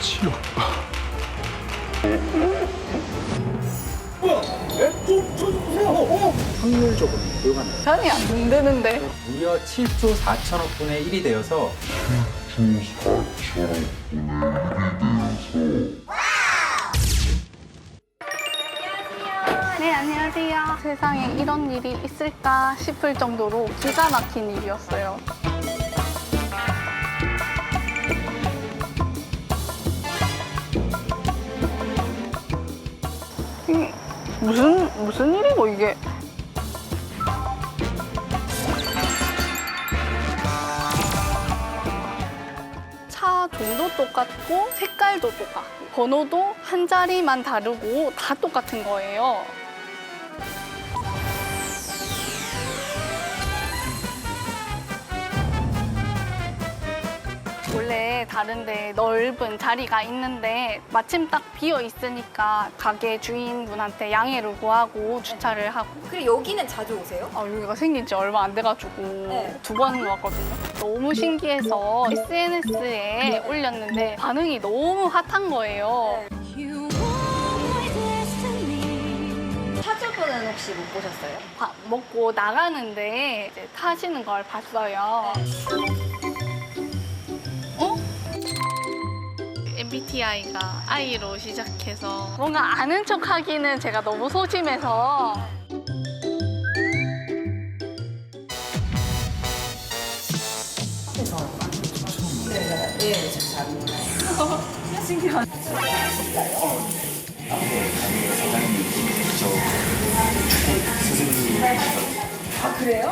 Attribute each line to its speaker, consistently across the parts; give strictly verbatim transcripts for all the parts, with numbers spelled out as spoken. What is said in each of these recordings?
Speaker 1: 어지럽다.
Speaker 2: 확률적으로 보유가는
Speaker 3: 계산이 안 된다는데.
Speaker 2: 무려 칠조 사천억 분의 일이 되어서
Speaker 3: 네, 안녕하세요. 세상에 이런 일이 있을까 싶을 정도로 기가 막힌 일이었어요. 이게 무슨, 무슨 일이고, 이게? 차 종도 똑같고 색깔도 똑같고 번호도 한 자리만 다르고 다 똑같은 거예요. 원래 다른데 넓은 자리가 있는데 마침 딱 비어 있으니까 가게 주인분한테 양해를 구하고 주차를 하고.
Speaker 4: 그리고 여기는 자주 오세요?
Speaker 3: 아, 여기가 생긴 지 얼마 안 돼가지고
Speaker 4: 네.
Speaker 3: 두 번 왔거든요. 너무 신기해서 에스엔에스에 올렸는데 반응이 너무 핫한 거예요.
Speaker 4: 차주분은 혹시 못 보셨어요?
Speaker 3: 밥 먹고 나가는데 이제 타시는 걸 봤어요. 어? 엠비티아이가 I로 시작해서 뭔가 아는 척 하기는 제가 너무 소심해서
Speaker 4: 아, 그래요?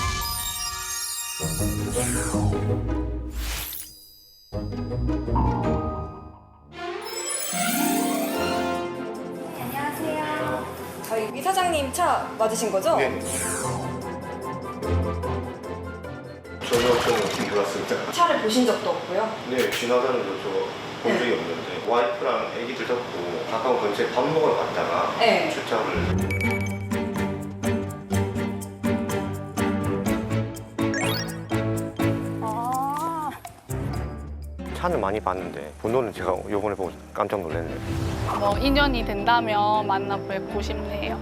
Speaker 4: 안녕하세요. 저희 위 사장님 차 맞으신 거죠?
Speaker 5: 네. 전혀 저는 몰랐습니다.
Speaker 4: 차를 보신 적도 없고요.
Speaker 5: 네, 지나가는 거 저본 적이 없는데 와이프랑 애기들 잡고 가까운 근처에 밥 먹으러 갔다가
Speaker 4: 네.
Speaker 5: 주차를
Speaker 3: 아,
Speaker 5: 차는 많이 봤는데 번호는 제가 요번에 보고 깜짝 놀랐네요.
Speaker 3: 뭐 인연이 된다면 만나 뵙고 싶네요.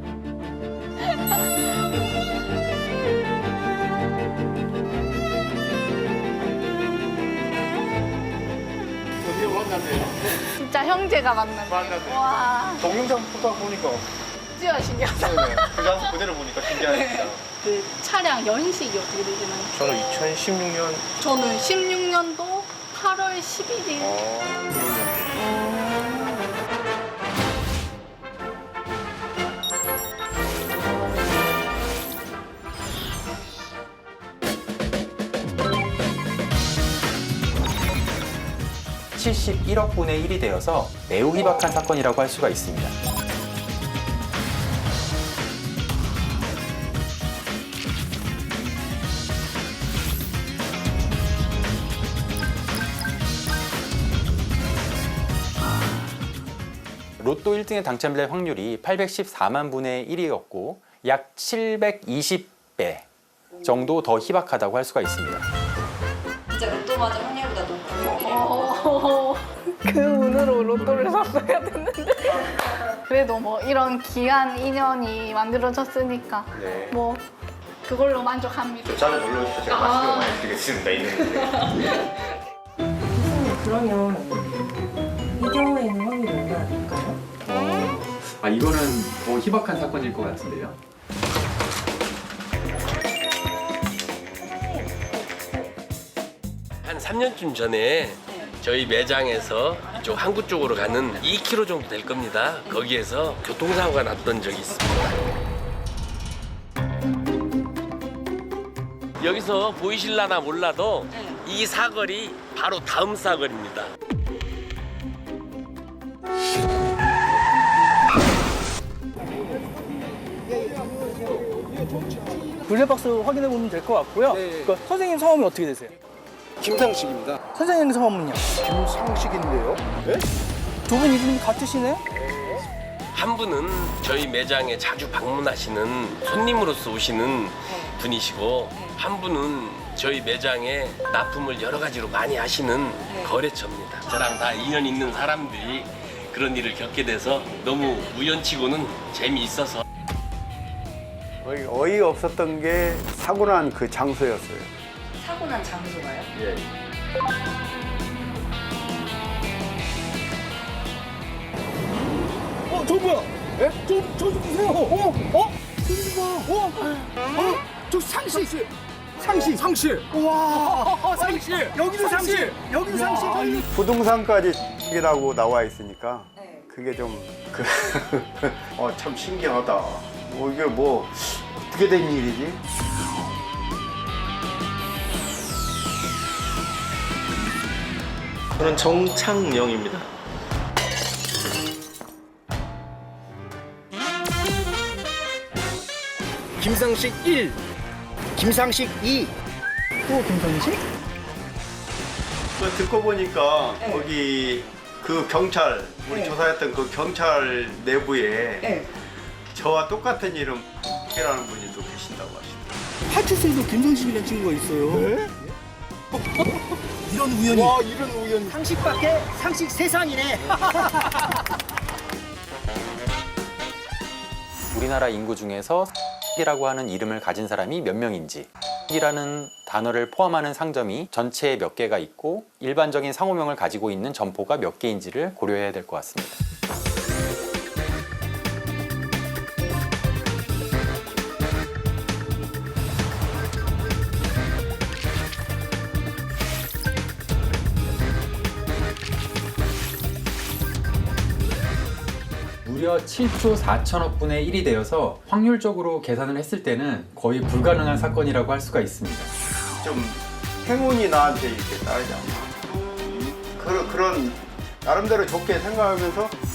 Speaker 1: 드디어 만났네요.
Speaker 3: 진짜 형제가 만났네.
Speaker 1: 만났네.
Speaker 3: 와,
Speaker 5: 동영상 보다 보니까
Speaker 3: 진짜 신기하다.
Speaker 5: 그 장소 그대로 보니까 신기하습니다.
Speaker 3: 그 차량 연식이 어떻게 되시나요?
Speaker 5: 저는 이천십육 년
Speaker 3: 저는 십육 년도 팔월 십일일.
Speaker 2: 칠십일억 분의 일이 되어서 매우 희박한 사건이라고 할 수가 있습니다. 로또 일 등에 당첨될 확률이 팔백십사만 분의 일이었고 약 칠백이십 배 정도 더 희박하다고 할 수가 있습니다.
Speaker 4: 진짜 로또 맞은 확률보다 높고요.
Speaker 3: 어, 그 운으로 로또를 샀어야 됐는데. 그래도 뭐 이런 귀한 인연이 만들어졌으니까
Speaker 5: 네.
Speaker 3: 뭐 그걸로 만족합니다.
Speaker 5: 저 차를 놀러 오시죠. 제가
Speaker 3: 아.
Speaker 5: 맛있는 거 많이 드리겠습니다. 있는데.
Speaker 6: 그러면 이 경우에는 확률이 얼마나 될까요?
Speaker 7: 아 이거는 더 희박한 사건일 것 같은데요.
Speaker 8: 한 삼 년쯤 전에 저희 매장에서 이쪽 항구 쪽으로 가는 이 킬로미터 정도 될 겁니다. 거기에서 교통사고가 났던 적이 있습니다. 여기서 보이실라나 몰라도 이 사거리 바로 다음 사거리입니다.
Speaker 9: 블랙박스 확인해 보면 될 것 같고요. 그 선생님 성함이 어떻게 되세요?
Speaker 1: 김상식입니다.
Speaker 9: 선생님 성함은요?
Speaker 1: 김상식인데요? 네?
Speaker 9: 두 분 이름이 같으시네?
Speaker 8: 한 분은 저희 매장에 자주 방문하시는 손님으로서 오시는 분이시고 한 분은 저희 매장에 납품을 여러 가지로 많이 하시는 거래처입니다. 저랑 다 인연 있는 사람들이 그런 일을 겪게 돼서 너무 우연치고는 재미있어서.
Speaker 10: 어이, 어이 없었던 게 사고 난 그 장소였어요.
Speaker 4: 사고 난 장소가요?
Speaker 10: 예.
Speaker 9: 어, 저 뭐야? 예? 저, 저 좀 보세요. 어? 어? 저기 봐. 어? 어? 저 상시. 상시. 상시. 와. 상시. 여기도 상시. 여기도 상시. 아니,
Speaker 10: 부동산까지 이라고 나와 있으니까
Speaker 4: 네.
Speaker 10: 그게 좀 그, 어, 참 신기하다. 뭐 이게 뭐 어떻게 된 일이지?
Speaker 5: 저는 정창영입니다.
Speaker 1: 김상식 일, 김상식 이.
Speaker 9: 또 김상식?
Speaker 10: 그 듣고 보니까
Speaker 4: 네.
Speaker 10: 거기 그 경찰 우리
Speaker 4: 네.
Speaker 10: 조사했던 그 경찰 내부에
Speaker 4: 네.
Speaker 10: 저와 똑같은 이름 이라는 분이 또 계신다고 하시더라고요.
Speaker 1: 파출소에도 김상식이라는 친구가 있어요. 이런 우연이. 와, 이런 우연이.
Speaker 9: 상식 밖에 상식 세상이네.
Speaker 2: 우리나라 인구 중에서 이라고 하는 이름을 가진 사람이 몇 명인지, 이라는 단어를 포함하는 상점이 전체에 몇 개가 있고 일반적인 상호명을 가지고 있는 점포가 몇 개인지를 고려해야 될 것 같습니다.
Speaker 7: 무려 칠조 사천억 분의 일이 되어서 확률적으로 계산을 했을 때는 거의 불가능한 사건이라고 할 수가 있습니다.
Speaker 10: 좀 행운이 나한테 이렇게 따르지 않나. 그런, 그런 나름대로 좋게 생각하면서